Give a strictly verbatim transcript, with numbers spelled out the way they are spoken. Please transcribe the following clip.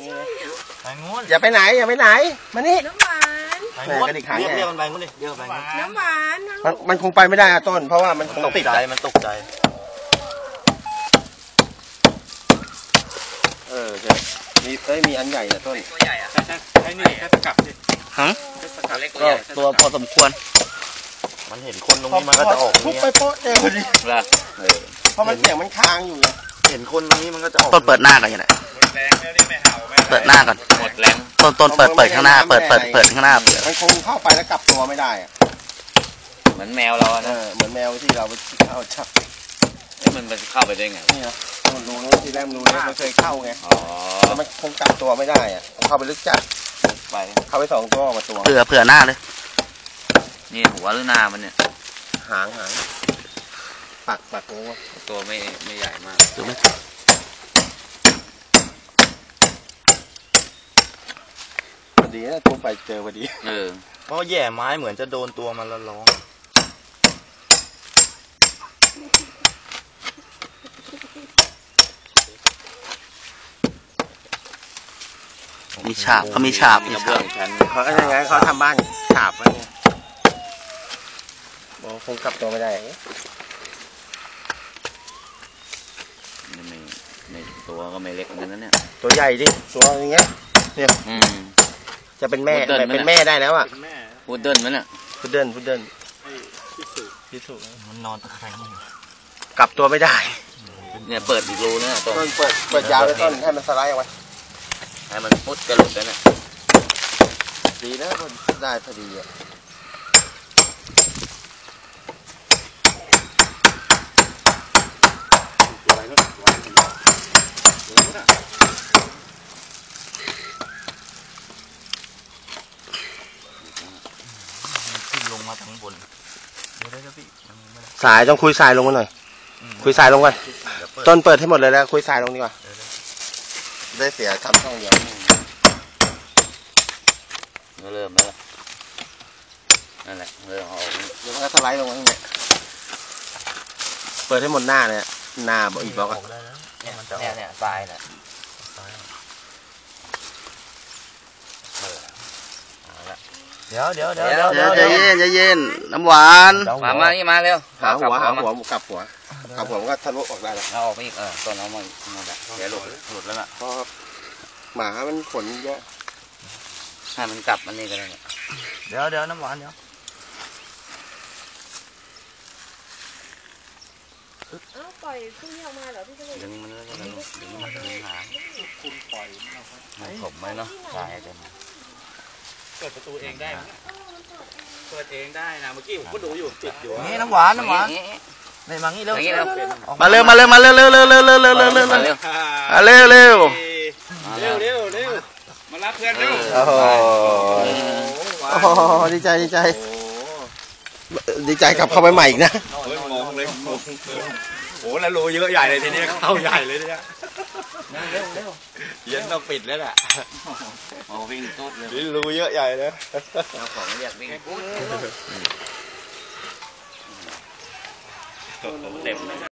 ไปงูนอย่าไปไหนอย่าไปไหนมานี่น้ำหวานไปงูนเรียกเรียกมันไปงูนดิเรียกมันไปงูนน้ำหวานมันมันคงไปไม่ได้อะต้นเพราะว่ามันตกใจมันตกใจเออเดี๋ยวมีเอ้ยมีอันใหญ่นะต้นตัวใหญ่อะใช่ใช่ใช่นี่แค่สกัดสิฮะก็ตัวพอสมควรมันเห็นคนตรงนี้มันก็จะออกทุบไปโป๊ะเดียวพอดีเพราะมันเสียงมันค้างอยู่เห็นคนตรงนี้มันก็จะออกต้นเปิดหน้าก่อนอย่างไรแรงแล้วนี่ไม่เห่าไม่เปิดหน้าก่อนหมดแรงต้นต้นเปิดเปิดข้างหน้าเปิดเปิดเปิดข้างหน้ามันคงเข้าไปแล้วกลับตัวไม่ได้อะเหมือนแมวเราเออเหมือนแมวที่เราไปเข้าชักเอ้มันมันเข้าไปได้ไงนี่นะมันรู้นู้นที่แรกรู้นู้นมันเคยเข้าไงอ๋อแล้วมันคงกลับตัวไม่ได้อะเข้าไปลึกจัดไปเข้าไปสองตัวออกมาตัวเผื่อเผื่อหน้าเลยนี่หัวหรือหน้ามันเนี่ยหางหางปักปักงูตัวไม่ไม่ใหญ่มากถูกไหมพอดีนะทุบไปเจอพอดีเออเพราะแย่ไม้เหมือนจะโดนตัวมันแล้วร้องมีฉาบเขามีฉาบมีฉาบเขาอะไรไงเขาทำบ้านฉาบไว้เนี่ยบอกคงกลับตัวไม่ได้ไม่ไม่ตัวก็ไม่เล็กเหมือนกันนะเนี่ยตัวใหญ่ดิตัวอย่างเงี้ยเนี่ยจะเป็นแม่เป็นแม่ได้แล้วอ่ะพูดเดินมั้ยเนี่ยพูดเดินพูดเดินพิสูจน์มันนอนตะแคงกลับตัวไม่ได้เนี่ยเปิดอีกรูเนี่ยต้นเปิดเปิดยาวเลยต้นให้มันสไลด์เอาไว้ให้มันพุดกระหลุดแล้วเนี่ยดีนะมันได้พอดีอ่ะขึ้นลงมาทั้งบนสายต้องคุยสายลงมาหน่อยคุยสายลงกันต้นเปิดให้หมดเลยแล้วคุยสายลงดีกว่าได้เสียทำช่องเดียวก็เริ่มแล้วนั่นแหละเริ่มเอาเดี๋ยวมันก็สไลด์ลงมาเนี่ยเปิดให้หมดหน้าเลยหน้าบอกอีกบล็อกอ่ะเนี่ยเนี่ยทรายเนี่ยเดี๋ยวเดี๋ยวเดี๋ยวเดี๋ยวเดี๋ยวใจเย็นใจเย็นน้ำหวานมามานี่มาเร็วหาหัวหาหัวกลับหัวกลับหัวมันก็ทะลุออกได้แล้วเอาออกไปอีกเออต้นเอามาหมดแล้วเดี๋ยวหลุดหลุดแล้วล่ะเพราะหมามันขนเยอะให้มันกลับมันนี่ก็ได้เดี๋ยวเดี๋ยวน้ำหวานเดี๋ยวเอ้าปล่อยพึ่งออกมาเหรอพี่จะดึงมันแล้วก็ดึงดึงมันดึงหางคุณปล่อยมันผมไหมเนาะใช่เดี๋ยวเปิดประตูเองได้เปิดเองได้นะเมื่อกี้ผมก็ดูอยู่ติดอยู่นี่น้ำหวานน้ำหวานนี่มางี้เร็วมาเร็วมาเร็วมาเร็วเร็วเร็วเร็วเร็วเร็วเร็วเร็วเร็วเร็วเร็วเร็วเร็วเร็วมารับเพื่อนเร็วโอ้โหดีใจดีใจดีใจกลับเข้าไปใหม่อีกนะมองเลยมองโอ้แล้วรูเยอะใหญ่เลยทีนี้เข้าใหญ่เลยเนี่ยเร็วเร็วเย็นต้องปิดแล้วแหละโอ้วิ่งตุ๊ดเลยรูเยอะใหญ่เลยเอาของเรียกวิ่งตุ๊ดเต็ม